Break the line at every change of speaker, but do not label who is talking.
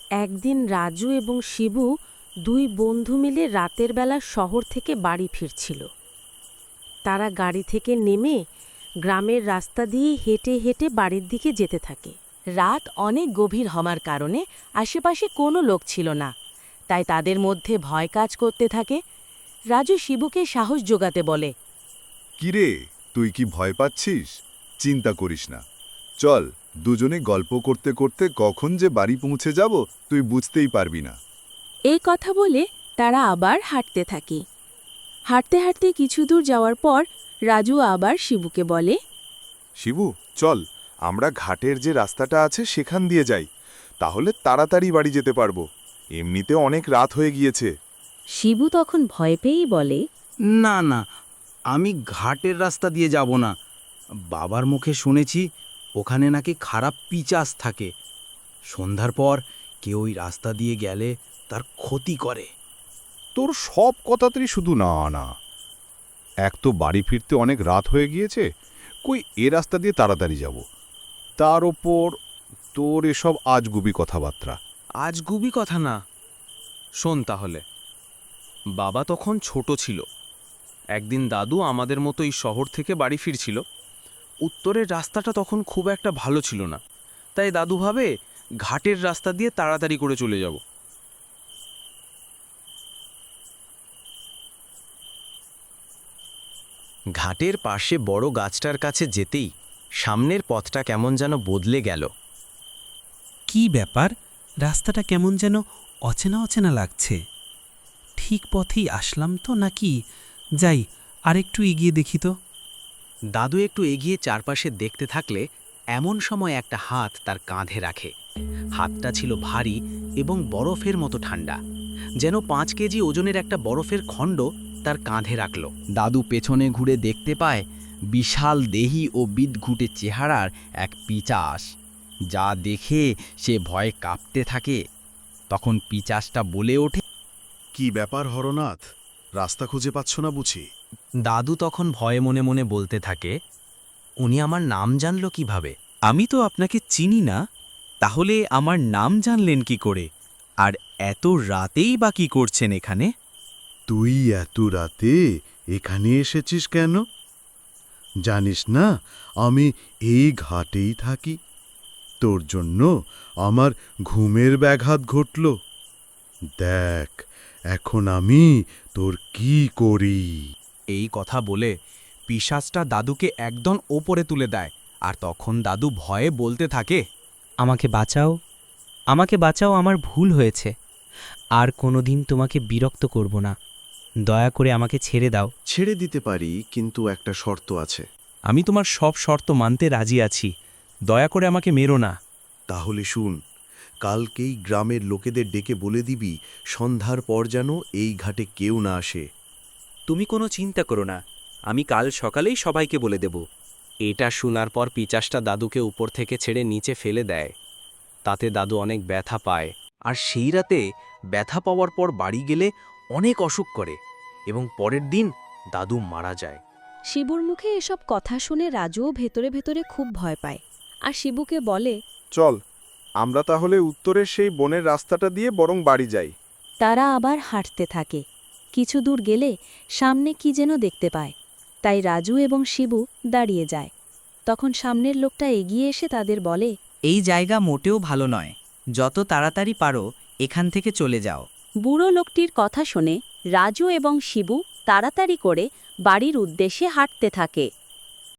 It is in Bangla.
একদিন রাজু এবং শিবু দুই বন্ধু মিলে রাতের বেলা শহর থেকে বাড়ি ফিরছিল। তারা গাড়ি থেকে নেমে গ্রামের রাস্তা দিয়ে হেঁটে হেঁটে বাড়ির দিকে যেতে থাকে।
রাত অনেক গভীর হওয়ার কারণে আশেপাশে কোনো লোক ছিল না, তাই তাদের মধ্যে ভয় কাজ করতে থাকে। রাজু শিবুকে সাহস জোগাতে বলে,
কিরে, তুই কি ভয় পাচ্ছিস? চিন্তা করিস না, চল দুজনে গল্প করতে করতে কখন যে বাড়ি পৌঁছে যাব তুই বুঝতেই পারবি না।
এই কথা বলে তারা আবার হাঁটতে থাকে। হাঁটতে হাঁটতে কিছু দূর যাওয়ার পর রাজু আবার শিবুকে বলে,
শিবু, চল আমরা ঘাটের যে রাস্তাটা আছে সেখান দিয়ে যাই, তাহলে তাড়াতাড়ি বাড়ি যেতে পারবো। এমনিতে অনেক রাত হয়ে গিয়েছে।
শিবু তখন ভয় পেয়েই বলে,
না না, আমি ঘাটের রাস্তা দিয়ে যাব না। বাবার মুখে শুনেছি ওখানে নাকি খারাপ পিচাস থাকে। সন্ধ্যার পর কেউ ওই রাস্তা দিয়ে গেলে তার ক্ষতি করে।
তোর সব কথাতেই শুধু না না। এক তো বাড়ি ফিরতে অনেক রাত হয়ে গিয়েছে, কই এ রাস্তা দিয়ে তাড়াতাড়ি যাব। তার ওপর তোর এসব আজগুবি কথাবার্তা।
আজগুবি কথা না, শোন তাহলে। বাবা তখন ছোট ছিল। একদিন দাদু আমাদের মতো এই শহর থেকে বাড়ি ফিরছিল। উত্তরের রাস্তাটা তখন খুব একটা ভালো ছিল না, তাই দাদু ভাবে ঘাটের রাস্তা দিয়ে তাড়াতাড়ি করে চলে যাব।
ঘাটের পাশে বড় গাছটার কাছে যেতেই সামনের পথটা কেমন যেন বদলে গেল।
কি ব্যাপার, রাস্তাটা কেমন যেন অচেনা অচেনা লাগছে। ঠিক পথেই আসলাম তো নাকি? যাই, আরেকটু এগিয়ে দেখি তো।
দাদু একটু এগিয়ে চারপাশে দেখতে থাকলে এমন সময় একটা হাত তার কাঁধে রাখে। হাতটা ছিল ভারী এবং বরফের মতো ঠান্ডা, যেন 5 কেজি ওজনের একটা বরফের খণ্ড তার কাঁধে রাখল। দাদু পেছনে ঘুরে দেখতে পায় বিশাল দেহি ও বিদঘুটে চেহারার এক পিচাস, যা দেখে সে ভয়ে কাঁপতে থাকে। তখন পিচাসটা বলে ওঠে,
কি ব্যাপার হরনাথ, রাস্তা খুঁজে পাচ্ছ না বুঝি?
দাদু তখন ভয়ে মনে মনে বলতে থাকে, উনি আমার নাম জানল কিভাবে?
আমি তো আপনাকে চিনি না, তাহলে আমার নাম জানলেন কি করে? আর এত রাতেই বা কি করছেন এখানে?
তুই এত রাতে এখানে এসেছিস কেন? জানিস না আমি এই ঘাটেই থাকি। তোর জন্য আমার ঘুমের ব্যাঘাত ঘটল। দেখ এখন আমি তোর কি করি।
এই কথা বলে পিশাচটা দাদুকে একদম ওপরে তুলে দেয়, আর তখন দাদু ভয়ে বলতে থাকে,
আমাকে বাঁচাও, আমাকে বাঁচাও, আমার ভুল হয়েছে। আর কোনোদিন তোমাকে বিরক্ত করব না। দয়া করে আমাকে ছেড়ে দাও।
ছেড়ে দিতে পারি, কিন্তু একটা শর্ত আছে।
আমি তোমার সব শর্ত মানতে রাজি আছি, দয়া করে আমাকে মেরো না।
তাহলে শুন, কালকেই গ্রামের লোকেদের ডেকে বলে দিবি সন্ধ্যার পর যেন এই ঘাটে কেউ না আসে।
তুমি কোনো চিন্তা করো না, আমি কাল সকালেই সবাইকে বলে দেব।
এটা শোনার পর পিচাসটা দাদুকে উপর থেকে ছেড়ে নিচে ফেলে দেয়। তাতে দাদু অনেক ব্যথা পায়।
আর সেই রাতে ব্যথা পাওয়ার পর বাড়ি গেলে অনেক অসুখ করে এবং পরের দিন দাদু মারা যায়।
শিবুর মুখে এসব কথা শুনে রাজুও ভেতরে ভেতরে খুব ভয় পায়, আর শিবুকে বলে,
চল আমরা তাহলে উত্তরের সেই বনের রাস্তাটা দিয়ে বরং বাড়ি যাই।
তারা আবার হাঁটতে থাকে। কিছু দূর গেলে সামনে কি যেন দেখতে পায়, তাই রাজু এবং শিবু দাঁড়িয়ে যায়। তখন সামনের লোকটা এগিয়ে এসে তাদের বলে,
এই জায়গা মোটেও ভালো নয়, যত তাড়াতাড়ি পারো এখান থেকে চলে যাও।
বুড়ো লোকটির কথা শুনে রাজু এবং শিবু তাড়াতাড়ি করে বাড়ির উদ্দেশ্যে হাঁটতে থাকে।